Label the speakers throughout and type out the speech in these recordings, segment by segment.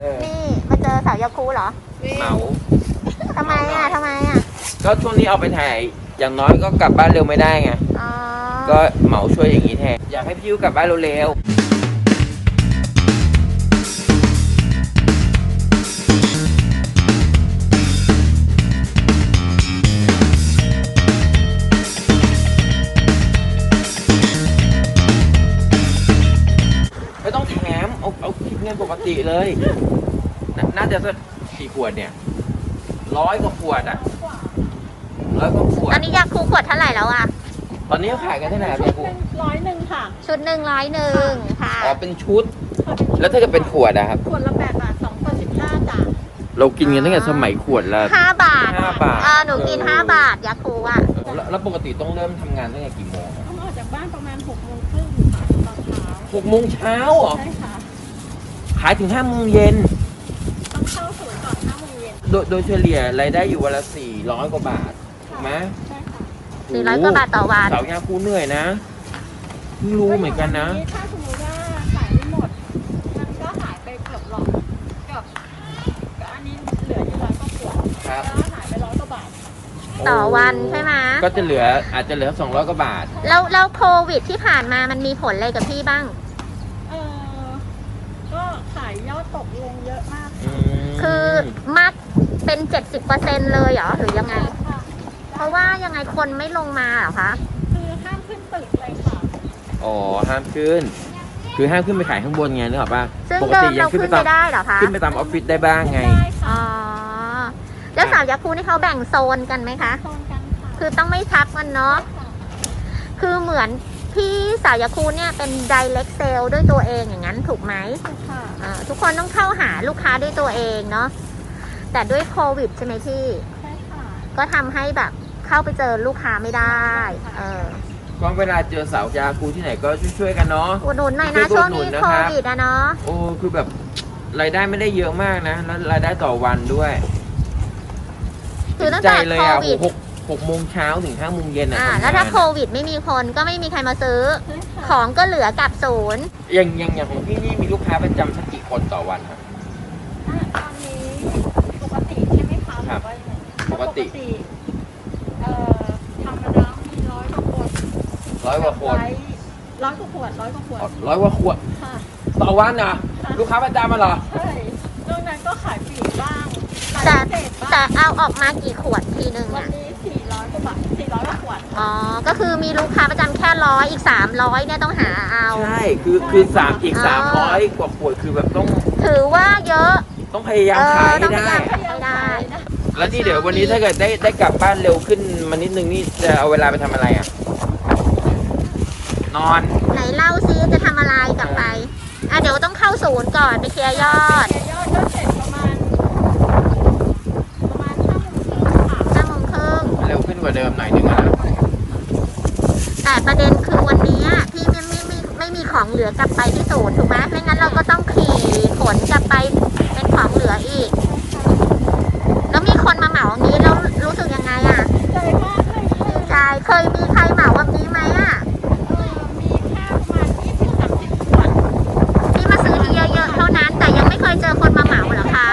Speaker 1: นี่มาเจอสาวยาคูเหรอ
Speaker 2: เหมา
Speaker 1: ทำไมอ่ะ
Speaker 2: ก็ช่วงนี้เอาไปถ่ายอย่างน้อยก็กลับบ้านเร็วไม่ได้ไง
Speaker 1: อ๋อ
Speaker 2: ก็เหมาช่วยอย่างนี้แทนอยากให้พี่ยูกลับบ้านเร็วๆไม่ต้องแถมเอาคิดเงินปกติเลยน่าจะสักกี่ขวดเนี่ย100 กว่าขวดอ่ะ100 กว่าขวด
Speaker 1: อันนี้ยาคูขวดเท่าไหร่แล้วอ่ะ
Speaker 2: ตอนนี้ขายกันเท่าไหร่ครับยาคู
Speaker 3: 101ค่ะ
Speaker 1: ชุด100ค่ะ
Speaker 2: อ๋อเป็นชุด แล้วถ้าเกิดเป็นขวดอะครับ
Speaker 3: ขวดละ8 บาท2ขวด15จ้ะ
Speaker 2: เรากินกันตั้งแต่สมัยขวดละ
Speaker 1: 5 บาท
Speaker 2: 5 บาท
Speaker 1: หนูกิน5 บาทยาคูอ่ะ
Speaker 2: แล้วปกติต้องเริ่มทำงานตั้งแต่กี่โมง
Speaker 3: ต้องออกจากบ้านประมาณ6 โมงครึ่งค่ะตอนเช้า
Speaker 2: 6 โมงเช้าเหรอ
Speaker 3: ใช่ค่ะ
Speaker 2: ขายถึง5 โมงเย็น
Speaker 3: ต้องเข้าศูนย์ก่อน5 โมงเย็น
Speaker 2: โดยเฉลี่ยรายได้อยู่วันละ400 กว่าบาทถูกไหม
Speaker 3: ใช่ค่ะ
Speaker 1: 400 กว่าบาทต่อวัน
Speaker 2: สาวยาคูเหนื่อยนะเพิ่งรู้เหมือนกันนะ
Speaker 3: ถ้าสมมติว่าขายไม่หมด มันก็หายไปเกือบหลอดเกือบก็อันนี้เหลืออยู่100 กว่าขวด
Speaker 2: ครับ
Speaker 3: แล้วหายไป100 กว่าบาทค่ะ
Speaker 1: ต่อวันใช่ไหม
Speaker 2: ก็จะอาจจะเหลือ200 กว่าบาท
Speaker 1: แล้วโควิดที่ผ่านมามันมีผลอะไรกับพี่บ้าง
Speaker 3: เออก็ขายยอดตกลงเยอะมาก
Speaker 1: คือมากเป็น 70%เลยเหรอหรือยังไง
Speaker 3: ค่ะ
Speaker 1: เพราะว่ายังไงคนไม่ลงมาเหรอคะ
Speaker 3: คือห้ามขึ้นตึกเลยค่ะ
Speaker 2: อ๋อห้ามขึ้น คือห้ามขึ้นไปขายข้างบนไงนึกออกป่ะ
Speaker 1: ซึ่ง
Speaker 2: ปก
Speaker 1: เดิ
Speaker 2: ติ
Speaker 1: ม
Speaker 2: ยั
Speaker 1: เรา
Speaker 2: งขึ้น
Speaker 1: ขึ้
Speaker 2: ไป
Speaker 1: น
Speaker 2: ตา
Speaker 1: ไป
Speaker 2: ม
Speaker 1: ได้เหรอคะ
Speaker 2: ขึ้นไปตามออฟฟิศได้บ้างไง
Speaker 3: ได้ค่ะ
Speaker 1: อ๋อ แล้วสาวยาคูนี่เขาแบ่งโซนกันไหมคะ
Speaker 3: โซนกันค่ะ
Speaker 1: คือต้องไม่ทับกันเนาะ
Speaker 3: ค่ะ
Speaker 1: คือเหมือนพี่สาวยาคูเนี่ยเป็น direct sale ด้วยตัวเองอย่างนั้นถูกไหม
Speaker 3: ค่ะ
Speaker 1: ทุกคนต้องเข้าหาลูกค้าด้วยตัวเองเนาะ แต่ด้วยโควิดใช่ไหมพี่
Speaker 3: ใช่ค่ะ
Speaker 1: ก็ทำให้แบบเข้าไปเจอลูกค้าไม่ได้
Speaker 2: ก็เวลาเจอสาวยาคูที่ไหนก็ช่วยๆกันเนาะ
Speaker 1: อุดหนุนหน่อยนะ
Speaker 2: ช่
Speaker 1: ช่ว
Speaker 2: วย
Speaker 1: ง
Speaker 2: อุดหนุ
Speaker 1: นี้
Speaker 2: นนะ
Speaker 1: โค
Speaker 2: ครับ
Speaker 1: วิดอะเนาะ
Speaker 2: โอ้คือแบบรายได้ไม่ได้เยอะมากนะแล้วรายได้ต่อวันด้วย
Speaker 1: คือตั้ง
Speaker 2: ใจ
Speaker 1: แต่
Speaker 2: เลย
Speaker 1: โค
Speaker 2: อ่ะ
Speaker 1: วิด
Speaker 2: 6 โมงเช้าถึง5 โมงเย็นอ่ะทำงน
Speaker 1: แล้วถ้าโควิดไม่มีคนก็ไม่มีใครมาซื้อ
Speaker 3: ใช่ค่ะ
Speaker 1: ของก็เหลือกับศูนย์
Speaker 2: อย่างของพี่นี่มีลูกค้าประจำสักกี่คนต่อวันครับ
Speaker 3: ตอนนี้ปกติใช่ไหมคะ
Speaker 2: ครับ
Speaker 3: หอว่ายังไง
Speaker 2: ปกติ
Speaker 3: ธรรมดามี100 กว่าขวด
Speaker 2: 100 กว่าคน
Speaker 3: 100 กว่าขวด100 กว่าขวด
Speaker 2: 100 กว่าขวด
Speaker 3: ค่ะ
Speaker 2: ต่อวันอ่ะลูกค้าประจำมาเหรอ
Speaker 3: ใช่นอกนั้นก็ขายปลีกบ้างขาย
Speaker 1: แต่
Speaker 3: พิเศษบ้าง
Speaker 1: แต่เอาออกมากี่ขวดทีนึง
Speaker 3: วัน
Speaker 1: อะ
Speaker 3: นี้400 กว่าบาท400 กว่าขวด
Speaker 1: อ๋อ ก็คือมีลูกค้าประจำแค่100อีก300เนี่ยต้องหาเอา
Speaker 2: ใช่คือ3อีก300 กว่าขวดคือแบบต้อง
Speaker 1: ถือว่าเยอะ
Speaker 2: ต้องพยายามขาย
Speaker 1: ต้
Speaker 2: ให้
Speaker 1: องพยา
Speaker 2: ได้
Speaker 1: ยามขายให้ได้
Speaker 2: แล้วนี่เดี๋ยววันนี้ถ้าเกิดได้กลับบ้านเร็วขึ้นมานิดนึงนี่จะเอาเวลาไปทำอะไรอ่ะ นอน
Speaker 1: ไหนเล่าซิจะทำอะไรกลับไป เดี๋ยวต้องเข้าศูนย์ก่อนไปเคลียร์ยอด
Speaker 3: เสียยอดก็เสร็จประมาณ5 โมงครึ่งค่ะ
Speaker 1: 5 โมงครึ่ง
Speaker 2: เร็วขึ้นกว่าเดิมหน่อยนึงอะนะ
Speaker 1: แต่ประเด็นคือวันนี้พี่ไม่มีของเหลือกลับไปที่ศูนย์ถูกไหมไม่งั้นเราก็ต้องขี่ขนกลับไปเป็นของเหลืออีก แล้วมีคนมาเหมาอย่างนี้แล้วรู้สึกยังไงอะ
Speaker 3: ใจมากเลยค่ะ
Speaker 1: ดีใจเคยมีใครเหมาแบบนี้ไหมอะ
Speaker 3: มีแค่ประมาณ20-30 ขวด
Speaker 1: ที่มาซื้อที่เยอะๆเท่านั้น แต่ยังไม่เคยเจอคนมาเหมาเหรอคะ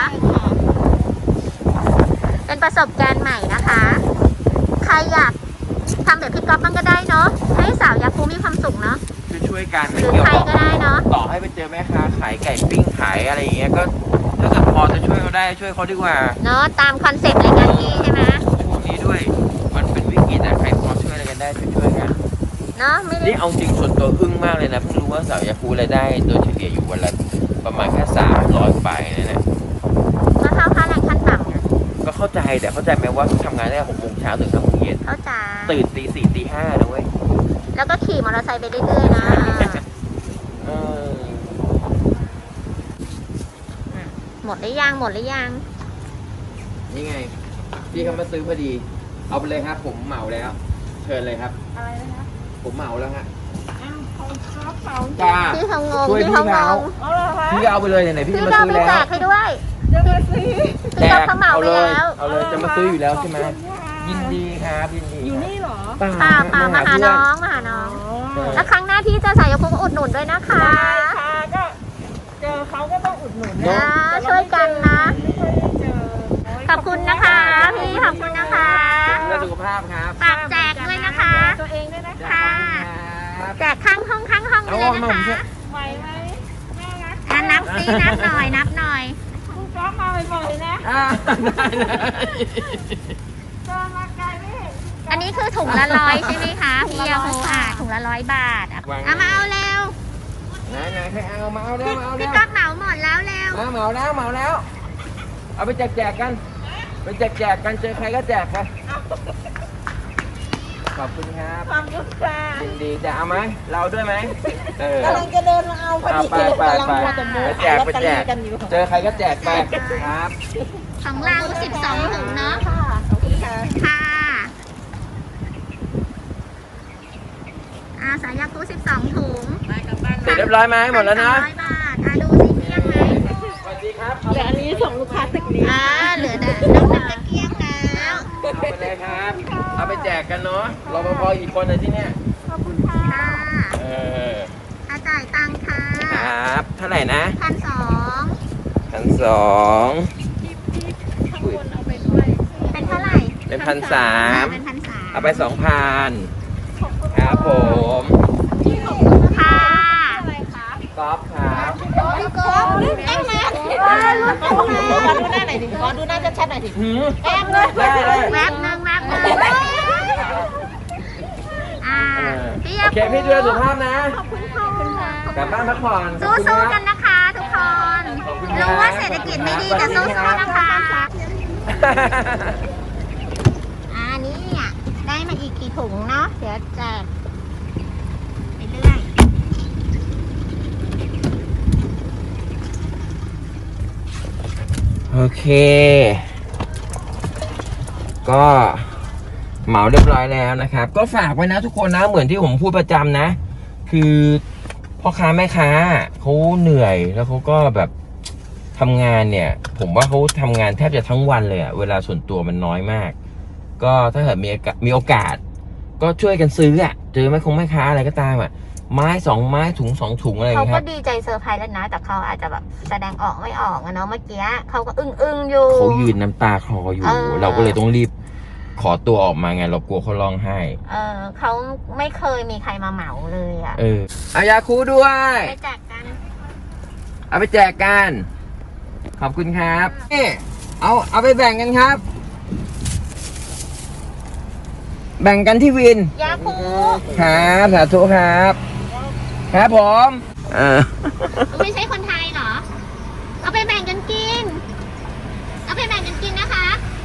Speaker 1: เป็นประสบการณ์ใหม่นะคะ ใครอยากทำแบบพี่ก๊อฟบ้างก็ได้เนาะให้สาวยาคูมีความสุขเนาะ
Speaker 2: ช่วยกัน
Speaker 1: ห
Speaker 2: ไม่
Speaker 1: รือ
Speaker 2: เกี่ยว
Speaker 1: ใคร
Speaker 2: กับ
Speaker 1: ก็ได้เนาะ
Speaker 2: ต่อให้ไปเจอแม่ค้าขายไก่ปิ้งขายอะไรอย่างเงี้ยก็ถ้าเกิดพอจะช่วยเขาได้ช่วยเขาดีกว่า
Speaker 1: เนาะตามคอนเซ็ปต์รายการพี่ใช่ไหม
Speaker 2: ช่วงนี้ด้วยมันเป็นวิกฤตอะใครพอช่วยอะไรกันได้ช่วยกัน
Speaker 1: เนาะไม่ได้
Speaker 2: นี่เอาจริงส่วนตัวอึ้งมากเลยนะเพิ่งรู้ว่าสาวยาคูรายได้โดยเฉลี่ยอยู่วันละประมาณแค่300ไปนะเนี่ย
Speaker 1: ก็เท่าค่าแรงขั้นต่ำไง
Speaker 2: ก็เข้าใจแต่เข้าใจไหมว่าทำงานได้6 โมงเช้าถึง5 โมงเย็น
Speaker 1: เข้าใจ
Speaker 2: ตื่นตี 4ตี 5นะเว้ย
Speaker 1: แล้วก็ขี่มอเตอร์ไซค์ไปเรื่อยๆนะ
Speaker 2: เออ
Speaker 1: หมดหรือยังหมดหรือยัง
Speaker 2: นี่ไงพี่เขามาซื้อพอดี เอาไปเลยครับผมเหมาแล้ว เชิญเลยครับ
Speaker 3: อะไรนะคะ
Speaker 2: ผมเหมาแล้วฮะ
Speaker 3: อ้าวเขาครับเขา
Speaker 2: จ้า
Speaker 1: พี่เขางง
Speaker 2: ช่วย
Speaker 1: พี่เขา
Speaker 2: พี่
Speaker 1: ง
Speaker 2: เขา
Speaker 1: ง
Speaker 3: เอาเหรอคะ
Speaker 2: พี่ก็เอาไปเลยไหนๆพี่
Speaker 1: พี่
Speaker 2: จะมา
Speaker 1: ก็
Speaker 2: ซื้อ
Speaker 1: ไป
Speaker 2: แล้ว
Speaker 1: แจกให้ด้วย
Speaker 3: เดี๋ยวมาซื้อ
Speaker 1: พี่ก็เขาเหมาไปแล้ว
Speaker 2: เอาเลยจะมาซื้ออยู่แล้วใช่ไหม
Speaker 3: ขอบคุณค่ะ
Speaker 2: ยินดีครับยินดี
Speaker 3: อยู่นี่เหรอ
Speaker 1: เปล่ามาหาน้องมาหาน้อง
Speaker 2: ใช่
Speaker 1: แล้วครั้งหน้าที่จะใส่ยาคูก็อุดหนุนด้วยนะคะ
Speaker 3: ได้ค่ะก็เจอเขาก็ต้องอุดหนุน
Speaker 2: เนอะ
Speaker 1: ช่วยกันนะ
Speaker 3: ไม่ค่อยได้เจอ
Speaker 1: ขอบคุณนะคะพี่ขอบคุณนะคะ
Speaker 2: เพื่อสุขภาพครับ
Speaker 1: ฝากแจกด้วยนะคะ
Speaker 3: ตัวเองด้วยนะ
Speaker 1: ค่ะ
Speaker 2: ครับ
Speaker 1: แจกข้างห้องไปเลยนะ
Speaker 2: เอามาผมช่วย
Speaker 1: คะ
Speaker 3: ไหวไหมน่ารัก
Speaker 1: นับซินับหน่อย
Speaker 3: คุณก๊อฟมาบ่อยๆนะ
Speaker 2: ได้เลย
Speaker 3: เจอมาไกลไม่เห็น
Speaker 1: อันนี้คือถุงละ100ใช่ไหมคะพี่ยาคูถุงละ100 บาทเอามาเอาเร็ว
Speaker 2: ไหนใครเอามาเอาเร็วมาเอาเร็
Speaker 1: พี่
Speaker 2: ว
Speaker 1: ก๊อกเหมาหมดแล้วเร็ว
Speaker 2: มาเหมาแล้ว เอาไปแจกกันไปแจกกันเจอใครก็แจกกันขอบคุณครับ
Speaker 3: ความยุติธรรม
Speaker 2: ยินดีจะเอาไหมเราด้วยไหมเออก
Speaker 3: ำลังจะเดินมาเอาพอ
Speaker 2: เอา
Speaker 3: ดี
Speaker 2: ไป
Speaker 3: กำลังมัวแต่โม้
Speaker 2: ไปแจก
Speaker 3: ลอตเตอรี่กันอยู่
Speaker 2: เจอใครก็แจกไปครับ
Speaker 1: ของเรา12ถุงเนาะ
Speaker 3: ค่ะขอบคุณค่ะ
Speaker 1: ค่ะสายยาคู12ถุง
Speaker 2: เสร็จเรียบร้อยไหมหมดแล้วนะ
Speaker 1: 100 บาทดูสิเกลี้ยงไหม
Speaker 2: สวัสดีครับ
Speaker 3: เดี๋ยวอันนี้ส่งลูกค้าตึกนี้
Speaker 1: เหลือแต่น้องจะเกลี้ยงแล้ว
Speaker 2: เอาไปเลยครับ เอาไปแจกกันเนาะรปภอีกคนเลยที่เนี่ย
Speaker 3: ขอบคุณค่ะ
Speaker 1: ค่ะ
Speaker 2: เออ
Speaker 1: จ่ายตังค่ะ
Speaker 2: ครับเท่าไหร่นะ
Speaker 1: 1,200
Speaker 2: 1,200
Speaker 3: ข้างบนเอาไปด้วย
Speaker 1: เป็นเท่าไหร่
Speaker 2: เป็น1,300
Speaker 1: เป็น1,300
Speaker 2: เอาไป 2,000ครับผม
Speaker 1: ค่ะ
Speaker 3: อะไรคะ
Speaker 2: ก๊อฟครับ
Speaker 1: พี่โก้ได้ไหม
Speaker 3: ขอดูหน้าหน่อยดิขอดูหน้าชัดๆหน่อยดิ
Speaker 2: หืม
Speaker 3: แป๊บเลย
Speaker 2: ได้
Speaker 1: แวบหนึ่งพี่
Speaker 2: โอเคพี่ดูแลสุขภาพนะ
Speaker 3: ขอบคุณค่ะ
Speaker 2: กลับบ้านพักผ่อน
Speaker 1: สู้ๆกันนะคะทุกคน รู้ว่าเศรษฐกิจไม่ดีแต่สู้ๆนะคะ นี่ได้มาอีกกี่ถุงเนาะเดี๋ยวแจกไปเรื่อย
Speaker 2: โอเค ก็เหมาเรียบร้อยแล้วนะครับ ก็ฝากไว้นะทุกคนนะ เหมือนที่ผมพูดประจำนะ คือพ่อค้าแม่ค้าเขาเหนื่อยแล้วเขาก็แบบทำงานเนี่ย ผมว่าเขาทำงานแทบจะทั้งวันเลยอะเวลาส่วนตัวมันน้อยมาก ก็ถ้าเกิดมีโอกาส ก็ช่วยกันซื้ออะเจอแม่ค้าอะไรก็ตามอะไม้2 ไม้ถุง2 ถุงอะไรอย่าง
Speaker 1: เขา
Speaker 2: เงี้ยค
Speaker 1: ก็
Speaker 2: รับ
Speaker 1: ดีใจเซอร์ไพรส์แล้วนะ แต่เขาอาจจะแบบแสดงออกไม่ออกอะเนาะเมื่อกี้เขาก็อึ้งอยู่
Speaker 2: เขายืนน้ำตาคลออยู่ เราก็เลยต้องรีบขอตัวออกมาไงเรากลัวเขาร้องไห้
Speaker 1: เขาไม่เคยมีใครมาเหมาเลยอะ
Speaker 2: เอายาคูด้วย
Speaker 1: ไปแจกกัน
Speaker 2: เอาไปแจกกัน ขอบคุณครับนี่เอาไปแบ่งกันครับ แบ่งกันที่วิน
Speaker 1: ยาคู
Speaker 2: ครับสาธุครับ ครับผม
Speaker 1: ไม่ใช่คนไทยเหรอ เอาไปแบ่งกันกิน เอาไปแบ่งกันกินนะคะ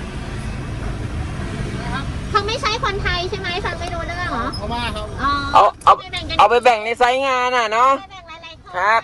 Speaker 1: เขาไม่ใช่คนไทยใช่ไหมฟังไม่รู้เรื่องเหรอเขามาครับเอาไปแบ่งกัน
Speaker 2: เอาไปแบ่งในไซต์งานน่ะเนาะ
Speaker 1: ไปแบ่งหลายๆคน
Speaker 2: ครับ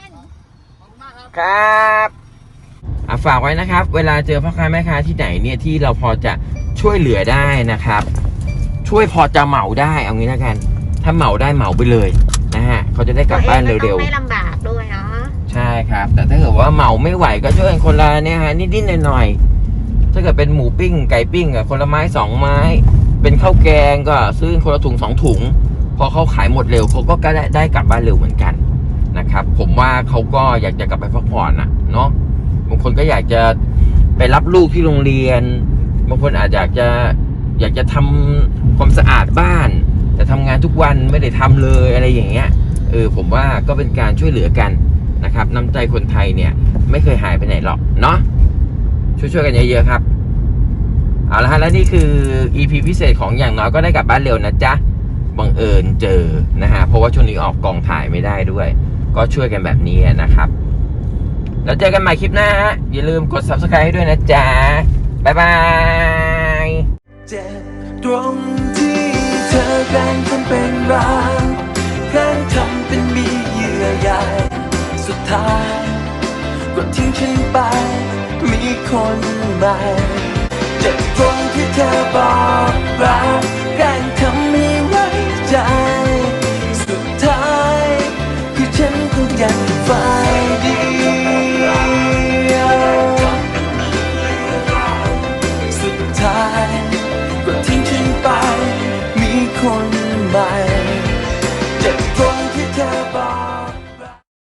Speaker 2: ครับฝากไว้นะครับ เวลาเจอพ่อค้าแม่ค้าที่ไหนเนี่ยที่เราพอจะช่วยเหลือได้นะครับ ช่วยพอจะเหมาได้เอางี้แล้วกัน ถ้าเหมาได้เหมาไปเลยนะฮะเขาจะได้กลับบ้านเร็ว
Speaker 1: ไม่ลำบากด้วยเนาะ
Speaker 2: ๆใช่ครับ แต่ถ้าเกิดว่าเหมาไม่ไหวก็ช่วยกันคนละเนี่ยฮะนิดๆหน่อยๆถ้าเกิดเป็นหมูปิ้งไก่ปิ้งอะคนละไม้2 ไม้ เป็นข้าวแกงก็ซื้อคนละถุง2 ถุงพอเขาขายหมดเร็วเขาก็ได้กลับบ้านเร็วเหมือนกันนะครับผมว่าเขาก็อยากจะกลับไปพักผ่อนนะเนาะบางคนก็อยากจะไปรับลูกที่โรงเรียนบางคนอาจอยากจะทำความสะอาดบ้านแต่ทำงานทุกวันไม่ได้ทำเลยอะไรอย่างเงี้ยผมว่าก็เป็นการช่วยเหลือกันนะครับน้ำใจคนไทยเนี่ยไม่เคยหายไปไหนหรอกเนาะช่วยๆกันเยอะๆครับเอาละฮะและนี่คือ EP พิเศษของอย่างน้อยก็ได้กลับบ้านเร็วนะจ๊ะบังเอิญเจอนะฮะเพราะว่าช่วงนี้ออกกองถ่ายไม่ได้ด้วยก็ช่วยกันแบบนี้นะครับแล้วเจอกันใหม่คลิปหน้าฮะอย่าลืมกด Subscribe ให้ด้วยนะจ๊ะบ๊ายบาย
Speaker 4: เจ็บตรงที่เธอแกล้งทำเป็นรักแกล้งทำเป็นมีเยื่อใยสุดท้ายก็ทิ้งฉันไปมีคนใหม่เจ็บตรงที่เธอบอกรักแกล้ง